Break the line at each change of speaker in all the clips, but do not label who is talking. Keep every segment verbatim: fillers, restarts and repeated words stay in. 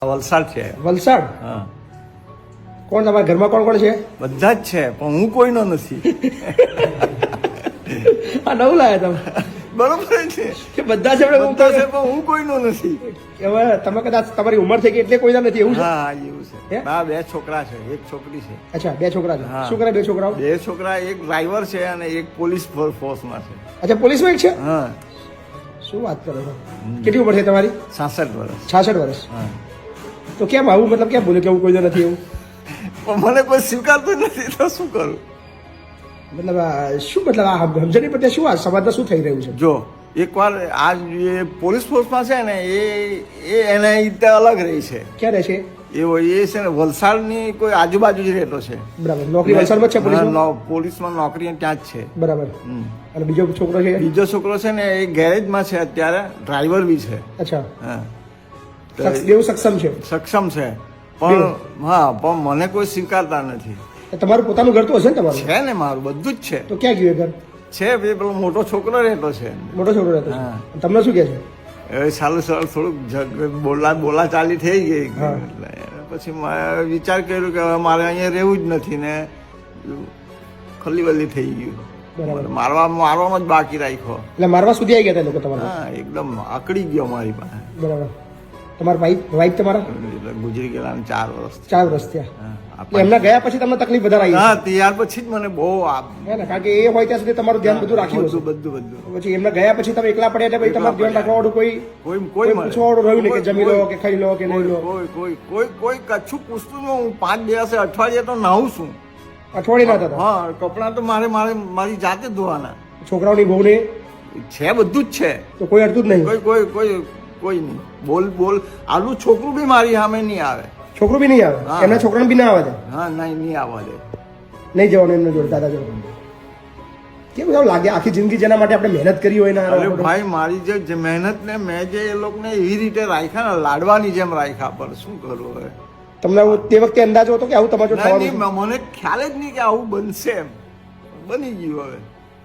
વલસાડ છે.
વલસાડ?
હા.
કોણ તમારા ઘરમાં કોણ કોણ છે?
બધા જ છે પણ હું કોઈનો નથી.
આ નવું લાયા તમે?
બરોબર છે
કે બધા છે પણ હું
બધા છે પણ હું કોઈનો નથી.
હવે તમે કદાચ તમારી ઉંમર થઈ ગઈ એટલે કોઈના નથી એવું છે?
હા એવું છે. હા બે છોકરા છે, એક છોકરી છે.
અચ્છા બે છોકરા છે.
હા.
શું કરે બે છોકરાઓ?
બે છોકરા, એક ડ્રાઈવર છે અને એક પોલીસ ફોર્સમાં છે.
અચ્છા પોલીસમાં એક છે?
હા.
શું વાત કરો છો? કેટલી ઉંમર છે તમારી?
છાસઠ વર્ષ.
છાસઠ વર્ષ.
હા.
તો કેમ આવું મતલબ કેમ બોલ્યું કે હું કોઈનો નથી એવું?
પણ મને કોઈ સ્વીકારતું નથી તો શું કરું?
મતલબ આ શું મતલબ આ સમજણ નહીં પડતી શું આ સમાજમાં શું થઈ રહ્યું છે?
જો એકવાર આ જે પોલીસ ફોર્સમાં છે ને એ એ એના રીતે અલગ રહી છે.
ક્યાં રહે છે?
એવો એ છે ને વલસાડની કોઈ આજુબાજુ જ રહેતો છે.
બરાબર. નોકરી વલસાડમાં જ છે પોલીસમાં?
હા, પોલીસમાં નોકરી ત્યાં જ છે.
બરાબર.
હમ.
અને બીજો છોકરો છે?
બીજો છોકરો છે ને એ ગેરેજમાં છે અત્યારે, ડ્રાઈવર બી છે.
અચ્છા.
હા. તો
સક્ષ- બેઉ સક્ષમ છે?
સક્ષમ છે પણ હા પણ મને કોઈ સ્વીકારતા નથી.
તમારું પોતાનું ઘર તો હશે ને તમારું?
છે ને મારું બધું જ છે.
તો ક્યાં ગયું એ ઘર?
છે બે પેલો મોટો છોકરો રહેતો છે.
મોટો છોકરો રહેતો છે.
હા.
તમને શું કહે છે?
એ સાલું સાલું થોડુંક જગ- બોલા બોલા ચાલી થઈ ગઈ.
હા.
એટલે પછી મેં વિચાર કર્યો કે હવે મારે અહીંયા રહેવું જ નથી ને ખલી વલી થઈ ગયું.
બરાબર.
મારવા મારવામાં જ બાકી રાખ્યો.
એટલે મારવા સુધી આવી ગયા હતા એ લોકો તમારા?
હા એકદમ આકડી ગયો મારી પાસે.
બરાબર. તમારા વાઈફ વાઈફ તમારા
એટલે ગુજરી ગયેલા ને ચાર વર્ષ.
ચાર વર્ષ થયા.
હા,
એટલે એમના ગયા પછી તમને તકલીફ વધારે આવી
હા ત્યાર પછી જ મને બહુ આ
હે ને? કારણ કે એ હોય ત્યાં સુધી તમારું ધ્યાન બધું રાખ્યું
બધું
હશે.
બધું બધું
પછી એમના ગયા પછી તમે એકલા પડ્યા એટલે પછી તમારું ધ્યાન રાખવા વાળું કોઈ
કોઈ
કોઈ
કોઈ મળે.
પૂછવા વાળું રહ્યું નહીં કે જમી લો
કોઈ-
કે ખાઈ લો કે નહીં લો?
કોઈ કોઈ કોઈ કોઈ કચ્છું પૂછતું ન. હું પાંચ દિવસે અઠવાડિયે તો નાહું છું.
અઠવાડિયે ના થતા?
હા કપડાં તો મારે મારે મારી જાતે જ ધોવાના
છોકરાઓની બહુને
છે, બધું જ છે.
તો કોઈ અડતું જ નહીં?
કોઈ કોઈ કોઈ કોઈ નહીં. બોલ બોલ આલું છોકરું બી મારી સામે નહીં આવે.
છોકરું બી નહીં આવે?
હા.
એમના છોકરાને બી ના આવે છે?
હા નહીં નહીં આવવા દે.
નહીં જવાનું એમને જોડે દાદા જોડે? કેવું એવું લાગે આખી જિંદગી જેના માટે આપણે મહેનત કરી હોય ને
અરે ભાઈ મારી જે જે મહેનત ને મેં જે એ લોકોને એવી રીતે રાખ્યા ને લાડવાની જેમ રાખ્યા પર શું કરું હવે?
તમને આવું તે વખતે અંદાજો હતો કે આવું તમારું જોડે
ના,
થવાનું
નહીં, મને ખ્યાલ જ નહીં કે આવું બનશે એમ. બની ગયું હવે.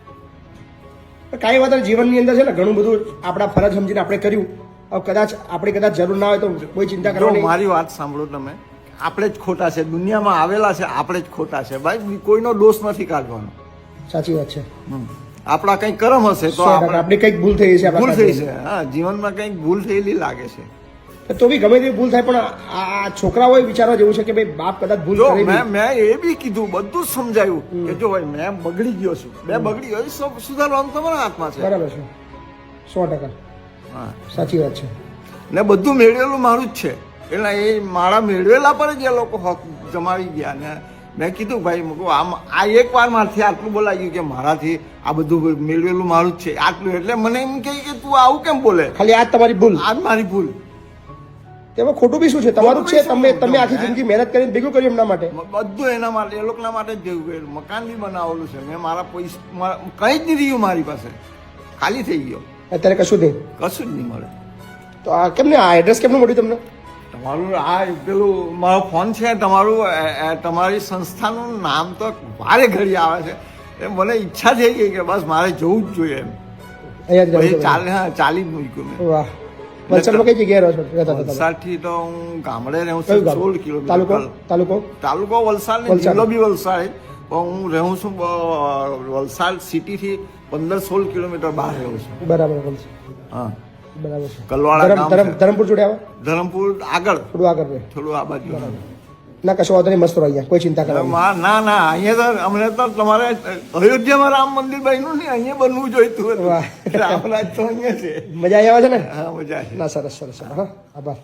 છે? કાંઈ વાત નહીં, જીવનની અંદર છે ને ઘણું બધું આપણા ફરજ સમજીને આપણે કર્યું. હવે કદાચ આપણે કદાચ જરૂર ના હોય તો કોઈ ચિંતા
જો
કરવાની.
મારી વાત સાંભળો તમે. આપણે જ ખોટા છે, દુનિયામાં આવેલા છે આપણે જ ખોટા છે ભાઈ. કોઈનો દોષ નથી કાઢવાનો.
સાચી વાત છે.
હમ. આપણા કંઈક કર્મ હશે તો
સો ટકા.
આપણે
આપણી કંઈક ભૂલ થઈ છે આપણા
ભૂલ થઈ
સાથે.
છે. હા જીવનમાં કંઈક ભૂલ થયેલી લાગે છે.
તો બી ગમે તેવી ભૂલ થાય પણ આ આ છોકરાઓએ વિચારવા જેવું છે કે ભાઈ બાપ કદાચ ભૂલ
જો
કરેલી.
મેં મેં એ બી કીધું, બધું જ સમજાયું કે જો ભાઈ મેં બગડી ગયો છું, મેં બગડી ગયો, એ સબ સુધારવાનું તમારા હાથમાં છે.
બરાબર છે. સો ટકા
હા
સાચી વાત છે.
ને બધું મેળવેલું મારું જ છે. એટલે એ મારા મેળવેલા પર જ એ લોકો હક જમાવી ગયા. ને મેં કીધું ભાઈ મૂકું આમ આ એક વાર મારથી આટલું બોલાઈ ગયું કે મારાથી આ બધું મેળવેલું મારું જ છે આટલું. એટલે મને એમ કહે કે તું આવું કેમ બોલે?
ખાલી આ જ તમારી ભૂલ?
આ જ મારી ભૂલ.
તેમાં ખોટું બી શું છે? તમારું જ છે.
ખોટું બી
તમે
શું?
તમે આખી જિંદગી મહેનત કરીને ભેગું કર્યું એમના માટે.
બધું એના માટે, એ લોકોના માટે જ ભેગું કર્યું. મકાન બી બનાવેલું છે મેં. મારા પૈસા કંઈ જ નહીં રહ્યું મારી પાસે. ખાલી થઈ ગયો.
અત્યારે કશું નહીં?
કશું જ નહીં મળે.
તો આ કેમ ને આ એડ્રેસ કેમનું મળ્યું તમને?
તમારું આ પેલું મારો ફોન છે, તમારું અ, અ, તમારી સંસ્થાનું નામ તો વારે ઘડી આવે છે. એ મને ઈચ્છા થઈ ગઈ કે બસ મારે જવું જ જોઈએ એમ.
અહીંયા જ
પછી
રહો છો?
ચાલે હા ચાલી જ મૂક્યું મેં.
વાહ. વલસાડમાં કઈ જગ્યાએ રહો છો? રહેતા હતા તમે?
વલસાડથી તો હું ગામડે રહું
કયું
છું
ગામ?
સોળ કિલોમીટર.
તાલુકો? તાલુકો?
તાલુકો વલસાડ ને
વલસાડ.
જિલ્લો બી વલસાડ. પણ હું રહું છું અ, વલસાડ સિટીથી પંદર સોળ કિલોમીટર બહાર રહું છું.
બરાબર બોલશે.
હા
બરાબર છે.
કલવાડા
ધરમ-
ગામ
ધરમ-
છે.
ધરમપુર જોડે આવે?
ધરમપુર આગળ
થોડું આગળ રહે.
થોડું આ બાજુ.
ના કશો વાંધો નહીં, મસ્ત રહો અહીંયા, કોઈ ચિંતા કરવાની.
મા- ના ના અહીંયા તો અમને તો તમારે અયોધ્યામાં રામ મંદિર બન્યું ને અહીંયા બનવું જોઈતું હતું.
વાહ.
રામરાજ તો અહીંયા છે.
મજા આવી આવે છે ને?
હા મજા છે.
ના સરસ સરસ સરસ. હા આભાર.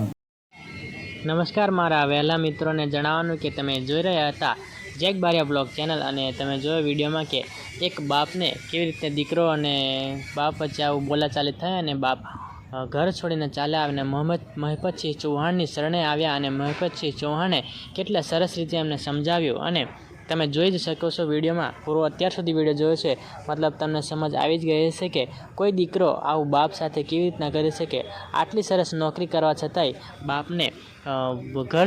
નમસ્કાર મારા વહેલા મિત્રોને જણાવવાનું કે તમે જોઈ રહ્યા હતા જેક બારિયા બ્લોગ ચેનલ અને તમે જોયો વિડીયોમાં કે એક બાપને કેવી રીતે દીકરો અને બાપ વચ્ચે આવું બોલાચાલી થાય અને બાપ અ, ઘર છોડીને ચાલ્યા આવીને મોહમ્મદ મહિપતસિંહ ચૌહાણની શરણે આવ્યા અને મહિપતસિંહ ચૌહાણે કેટલા સરસ રીતે એમને સમજાવ્યું અને તમે જોઈ જ શકો છો વિડીયોમાં પૂરો અત્યાર સુધી વિડીયો જોયો છે મતલબ તમને સમજ આવી જ ગઈ હશે કે કોઈ દીકરો આવું બાપ સાથે કેવી રીતના કરી શકે. આટલી સરસ નોકરી કરવા છતાંય બાપને અ, ઘર